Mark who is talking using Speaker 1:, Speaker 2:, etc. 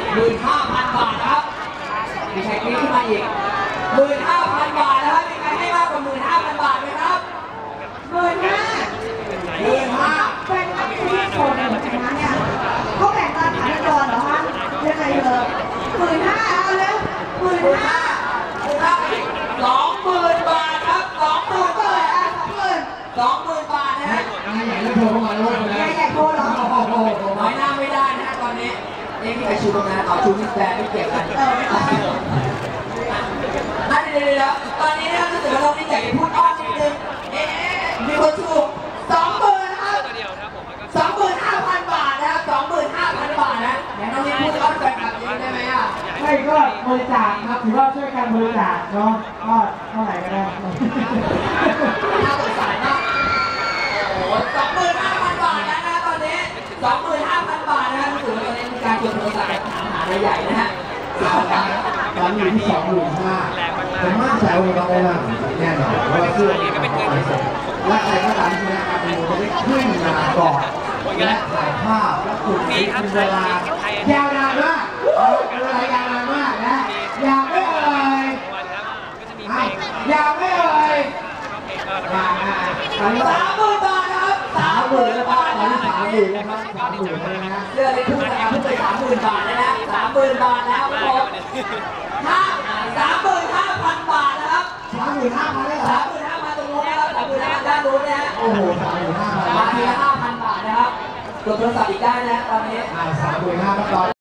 Speaker 1: 15,000 บาทนะครับมีใครขึ้นมาอีก 15,000 บาทนะครับมีใครให้มากกว่า 15,000 บาทไหมครับ 15,000
Speaker 2: เป็นนักเรียนที่โชว์ในหมู่คณะเนี่ยเขาแบ่งตามฐานะกรเหรอคะยังไงเลย15,000เอาเร็ว15,000
Speaker 1: 20,000 บาทครับ 20,000 บาทอ่ะ 20,000 บาทนะฮะ
Speaker 3: ใหญ่เลยโทรเข้ามาแล้ว
Speaker 2: ใหญ่โตเหรอ
Speaker 1: โอ้โหน้อยหน้าไม่ได้นะตอนนี้นี่ใครชูตรงนั้นเอาชูมิสแบร์ไม่เกี่ยวกันเดี๋ยวตอนนี้นะครับรู้สึกว่าเราไม่อยากจะพูดอ้อมนิดนึงมีคนถูก 20,000 นะครับ 25,000 บาทนะครับ 25,000 บาทนะเดี๋ยวน้องนี่พูดอ้อนแฟนคลับได้ไหมอ่ะ
Speaker 3: ไม่ก็บริจาคครับถือว่าช่วยกันบริจาคเนาะก็เท่าไหร่ก็ได้
Speaker 1: น่าสงสารมากโอ้โห 25,000 บาทแล้วนะตอนนี้ 25,000 บาทนะรู้สึกว่าตอนนี้มีการโยนโทรศัพท์ถามหาอะไรใหญ่นะฮะ
Speaker 3: ตอนอยู่ที่25,000ผมมั่นใจว่าเราได้รับแน่นอนเพราะว่าเสื้อก็เป็นเงินและใครก็ตามที่นะครับมันจะได้ขึ้นมาก่อนและถ่ายภาพและคุณมีเวลายาวนานมากเวลายาวนานมากนะยาวไม่เอ่ยยาวไม่เอ่ย
Speaker 1: 30,000 บาทนะครับ 30,000 บาทนะ
Speaker 3: 30,000นะครับ30,000นะ
Speaker 1: เสื้อเลยพุ่งนะครับพุ่งไป 30,000 บาทแล้วนะ 30,000 บาทแล้วครับผม35,000 บาทนะครับ
Speaker 3: 35,000ได้เหรอ
Speaker 1: 35,000 ตรงนู้นนะครับ 35,000 ด้านนู้นนะฮะ
Speaker 3: โอ้โห35,000
Speaker 1: มาทีละ 5,000 บาทนะครับกดโทรศัพท์อีกได้นะตอนนี้
Speaker 3: 35,000ตอน